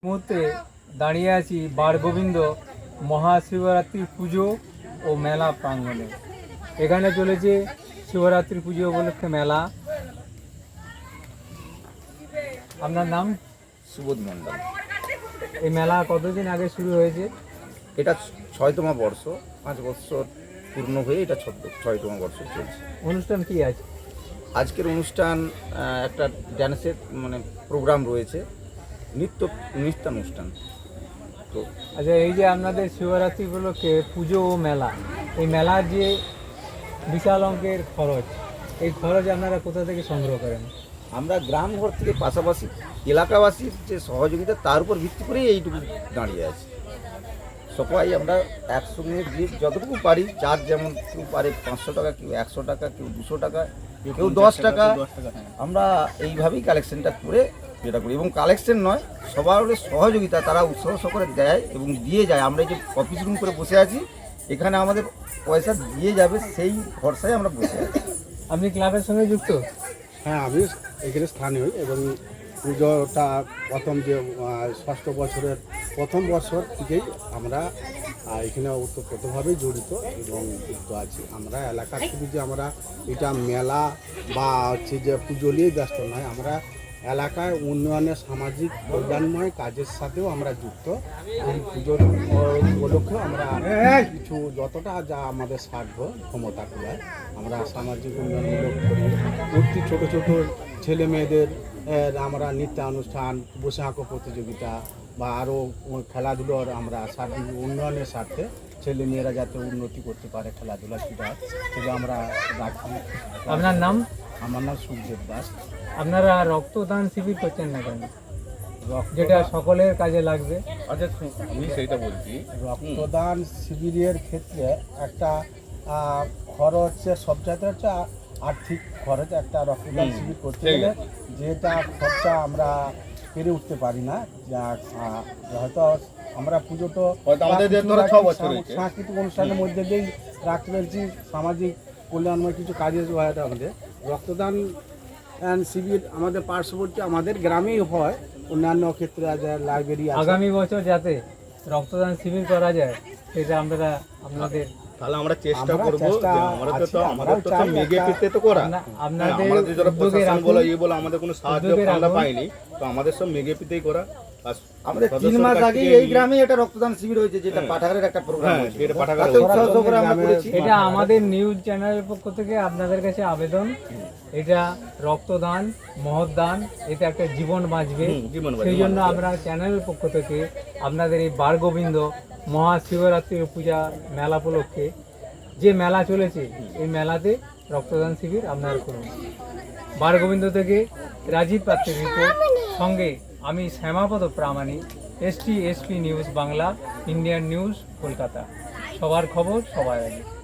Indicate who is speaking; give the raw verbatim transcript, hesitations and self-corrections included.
Speaker 1: মুহূর্তে দাঁড়িয়ে আছি বারগোবিন্দ মহাশিবরাত্রি পুজো ও মেলা প্রাঙ্গণে। এখানে চলেছে শিবরাত্রি পুজো উপলক্ষে মেলা। আপনার নাম?
Speaker 2: সুবোধ মণ্ডল।
Speaker 1: এই মেলা কতদিন আগে শুরু হয়েছে?
Speaker 2: এটা ছয়তম বর্ষ, পাঁচ বছর পূর্ণ হয়ে এটা ছয়তম বর্ষ চলছে।
Speaker 1: অনুষ্ঠান কি আছে?
Speaker 2: আজকের অনুষ্ঠান একটা ড্যান্সের মানে প্রোগ্রাম রয়েছে, নৃত্য নৃত্যানুষ্ঠান। তো
Speaker 1: আচ্ছা, এই যে আপনাদের শিবরাত্রি উপলক্ষে পুজো ও মেলা, এই মেলার যে বিশাল অঙ্কের খরচ, এই খরচ আপনারা কোথা থেকে সংগ্রহ করেন?
Speaker 2: আমরা গ্রাম ঘর থেকে পাশাপাশি এলাকাবাসীর যে সহযোগিতা তার উপর ভিত্তি করেই এইটুকু দাঁড়িয়ে আছে। সবাই আমরা একসঙ্গে যে যতটুকু পারি, যার যেমন কেউ পারে পাঁচশো টাকা, কেউ একশো টাকা, কেউ দুশো টাকা, কেউ দশ টাকা, আমরা এইভাবেই কালেকশনটা করে যেটা করি। এবং কালেকশন নয়, সবার সহযোগিতা তারা উৎসাহ সহকারে দেয় এবং দিয়ে যায়। আমরা এই যে অফিস রুম করে বসে আছি, এখানে আমাদের পয়সা দিয়ে যাবে সেই ভরসায় আমরা বসে আছি।
Speaker 1: আপনি ক্লাবের সঙ্গে যুক্ত?
Speaker 3: হ্যাঁ, আমি এখানে স্থানীয় এবং পুজোটা প্রথম যে ষষ্ঠ বছরের প্রথম বছর থেকেই আমরা এখানে ওতপ্রোতভাবেই জড়িত এবং যুক্ত আছি। আমরা এলাকার থেকে যে আমরা এটা মেলা বা হচ্ছে যে পুজো নিয়ে ব্যস্ত নয়, আমরা এলাকায় উন্নয়নের সামাজিক কল্যাণময় কাজের সাথেও আমরা যুক্ত। এই পুজোর উপলক্ষেও আমরা কিছু যতটা যা আমাদের সাধ্য ক্ষমতা কুলায় আমরা সামাজিক উন্নয়নমূলক করি। প্রতি ছোটো ছোটো ছেলে মেয়েদের আমরা নৃত্যানুষ্ঠান, বসে আঁকো প্রতিযোগিতা বা আরও খেলাধুলোর আমরা সার্বিক উন্নয়নের স্বার্থে ছেলে মেয়েরা যাতে উন্নতি করতে পারে খেলাধুলা সেটা সেটা আমরা রাখি।
Speaker 1: আপনার নাম?
Speaker 3: আমার নাম সুখদেব দাস।
Speaker 1: আপনারা রক্তদান শিবির করছেন না কেন, যেটা সকলের কাজে লাগবে?
Speaker 4: আচ্ছা, আমি সেইটা বলছি।
Speaker 3: রক্তদান শিবিরের ক্ষেত্রে একটা খরচের সবচাইতে হচ্ছে আর্থিক খরচ। একটা রক্তদান শিবির করতে গেলে যেটা খরচা আমরা পেরে উঠতে পারি না। যা হয়তো আমরা পুজো তো সাংস্কৃতিক অনুষ্ঠানের মধ্যে দিয়েই রাখতে পেরেছি, সামাজিক কল্যাণময় কিছু কাজে হয় আমাদের। রক্তদান শিবির আমাদের পার্শ্ববর্তী আমাদের গ্রামেই হয়, অন্যান্য ক্ষেত্রে লাইব্রেরি।
Speaker 1: আগামী বছর যাতে রক্তদান শিবির করা যায় সেটা আমরা আপনাদের
Speaker 4: তাহলে আমরা চেষ্টা করব যে আমরা তো আমাদের তো মেগে পেতে তো করা,
Speaker 1: আপনাদের
Speaker 4: আমাদের যারা প্রশাসন বলে এই বলে আমাদের কোনো সাহায্য আমরা পাইনি, তো আমাদের সব মেগে পেতেই করা।
Speaker 2: আমাদের তিন মাস আগে এই গ্রামে একটা রক্তদান শিবির হয়েছে, যেটা পাঠাগারের একটা প্রোগ্রাম হয়েছে।
Speaker 4: এটা পাঠাগারে
Speaker 1: এটা আমাদের নিউজ চ্যানেলের পক্ষ থেকে আপনাদের কাছে আবেদন, এটা রক্তদান মহৎ দান, এটা একটা জীবন বাঁচবে। সেই জন্য আমরা চ্যানেলের পক্ষ থেকে আপনাদের এই বারগোবিন্দ মহাশিবরাত্রির পূজা মেলা উপলক্ষে যে মেলা চলেছে, এই মেলাতে রক্তদান শিবির আপনারা করুন। বারগোবিন্দ থেকে রাজীব পাত্রের রিপোর্ট, সঙ্গে আমি Shyamapada Pramanik, ST SP news Bangla, Indian news Kolkata. সবার খবর সবার আগে।